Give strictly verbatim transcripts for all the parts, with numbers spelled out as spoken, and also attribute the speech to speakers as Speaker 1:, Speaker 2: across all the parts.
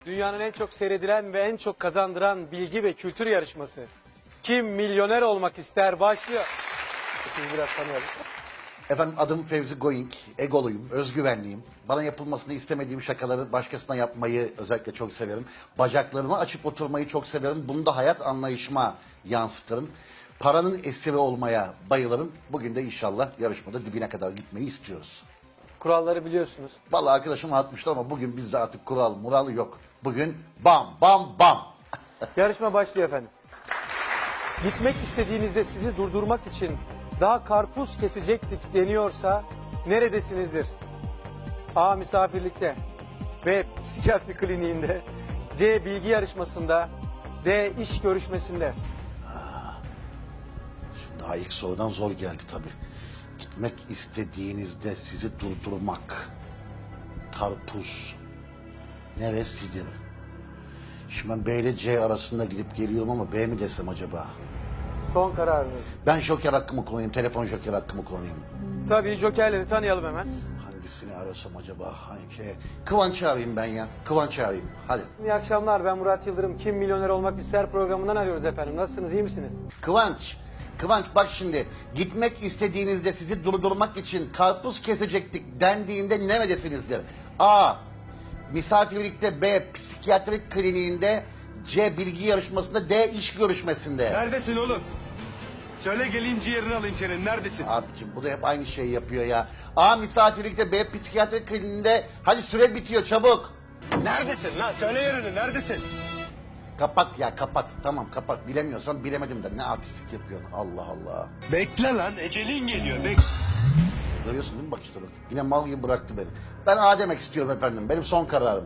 Speaker 1: Dünyanın en çok seyredilen ve en çok kazandıran bilgi ve kültür yarışması. Kim milyoner olmak ister başlıyor. Sizi biraz tanıyalım.
Speaker 2: Efendim adım Fevzi Going, egoluyum, özgüvenliyim. Bana yapılmasını istemediğim şakaları başkasına yapmayı özellikle çok severim. Bacaklarımı açıp oturmayı çok severim. Bunu da hayat anlayışıma yansıtırım. Paranın esiri olmaya bayılırım. Bugün de inşallah yarışmada dibine kadar gitmeyi istiyoruz.
Speaker 1: Kuralları biliyorsunuz.
Speaker 2: Vallahi arkadaşım atmıştı ama bugün bizde artık kural mural yok. Bugün bam bam bam.
Speaker 1: Yarışma başlıyor efendim. Gitmek istediğinizde sizi durdurmak için daha karpuz kesecektik deniyorsa neredesinizdir? A. Misafirlikte. B. Psikiyatri kliniğinde. C. Bilgi yarışmasında. D. İş görüşmesinde.
Speaker 2: Daha ilk sorudan zor geldi tabii. Gitmek istediğinizde sizi durdurmak. Karpuz. Neresidir? Şimdi ben B ile C arasında gidip geliyorum ama B mi desem acaba?
Speaker 1: Son kararınız.
Speaker 2: Ben joker hakkımı kullanayım, telefon joker hakkımı kullanayım.
Speaker 1: Tabii jokerleri tanıyalım hemen.
Speaker 2: Hangisini arasam acaba? Hangi? Kıvanç'ı arayayım ben ya. Kıvanç'ı arayayım. Hadi.
Speaker 1: İyi akşamlar, ben Murat Yıldırım. Kim Milyoner Olmak İster programından arıyoruz efendim. Nasılsınız, iyi misiniz?
Speaker 2: Kıvanç. Kıvanç bak şimdi. Gitmek istediğinizde sizi durdurmak için karpuz kesecektik dendiğinde neredesinizdir? A. Misafirlikte. B. Psikiyatrik kliniğinde. C. Bilgi yarışmasında. D. İş görüşmesinde.
Speaker 3: Neredesin oğlum? Söyle geleyim ciğerini alayım senin. Neredesin?
Speaker 2: Abicim bu da hep aynı şeyi yapıyor ya. A. Misafirlikte. B. Psikiyatrik kliniğinde. Hadi süre bitiyor çabuk.
Speaker 3: Neredesin lan? Söyle yerini. Neredesin?
Speaker 2: Kapat ya kapat. Tamam kapat. Bilemiyorsan bilemedim de ne artistlik yapıyorsun. Allah Allah.
Speaker 3: Bekle lan. Ecelin geliyor. Bek.
Speaker 2: Görüyorsun değil mi bak işte bak. Yine mal gibi bıraktı beni. Ben A demek istiyorum efendim. Benim son kararım.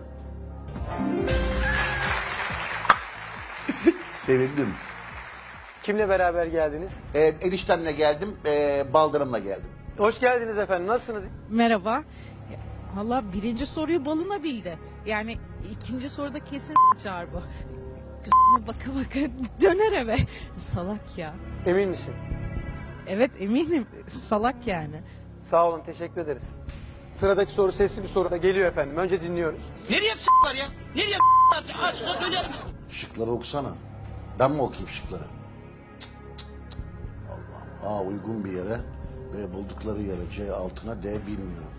Speaker 2: Sevindim.
Speaker 1: Kimle beraber geldiniz?
Speaker 2: Ee, eniştemle geldim. E, baldırımla geldim.
Speaker 1: Hoş geldiniz efendim, nasılsınız?
Speaker 4: Merhaba. Valla birinci soruyu balına bildi. Yani ikinci soruda kesin çarpı. Gözüne baka baka döner eve. Salak ya.
Speaker 1: Emin misin?
Speaker 4: Evet eminim. Salak yani.
Speaker 1: Sağ olun, teşekkür ederiz. Sıradaki soru sesli bir soru da geliyor efendim. Önce dinliyoruz.
Speaker 5: Nereye s**lar ya? Nereye s**lar? Açıkça söyler misin?
Speaker 2: Şıkları okusana. Ben mi okuyayım şıkları? Cık, cık, cık. Allah'ım. A uygun bir yere. B buldukları yere. C altına. D bilmiyorum.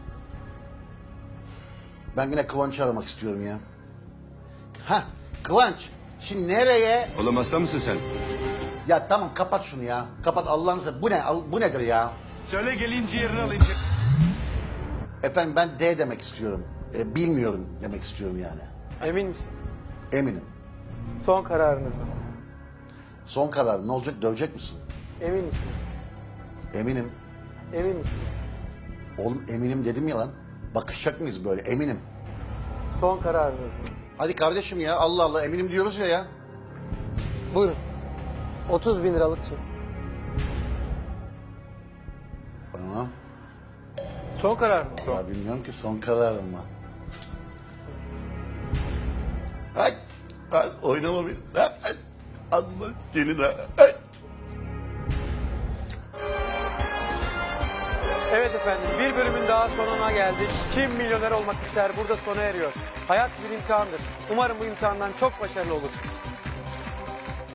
Speaker 2: Ben yine Kıvanç'ı aramak istiyorum ya. Ha Kıvanç. Şimdi nereye?
Speaker 3: Oğlum hasta mısın sen?
Speaker 2: Ya tamam kapat şunu ya. Kapat Allah'ını seversen. Bu ne? Al- Bu nedir ya?
Speaker 3: Söyle geleyim ciğerini alayım.
Speaker 2: Efendim ben D demek istiyorum. E, bilmiyorum demek istiyorum yani.
Speaker 1: Emin misin?
Speaker 2: Eminim.
Speaker 1: Son kararınız mı?
Speaker 2: Son karar ne olacak? Dövecek misin?
Speaker 1: Emin misiniz?
Speaker 2: Eminim.
Speaker 1: Emin misiniz?
Speaker 2: Oğlum eminim dedim ya lan. Bakışacak mıyız böyle? Eminim.
Speaker 1: Son kararınız mı?
Speaker 2: Hadi kardeşim ya Allah Allah eminim diyoruz ya ya.
Speaker 1: Buyurun. otuz bin liralık çek.
Speaker 2: Tamam.
Speaker 1: Son karar mı?
Speaker 2: Ya bilmiyorum ki son kararım mı? Ay, ay oynama beni. Ay, ay, Allah senin ha. Ay.
Speaker 1: Evet efendim, bir bölümün daha sonuna geldik. Kim milyoner olmak ister burada sona eriyor. Hayat bir imtihandır. Umarım bu imtihandan çok başarılı olursunuz.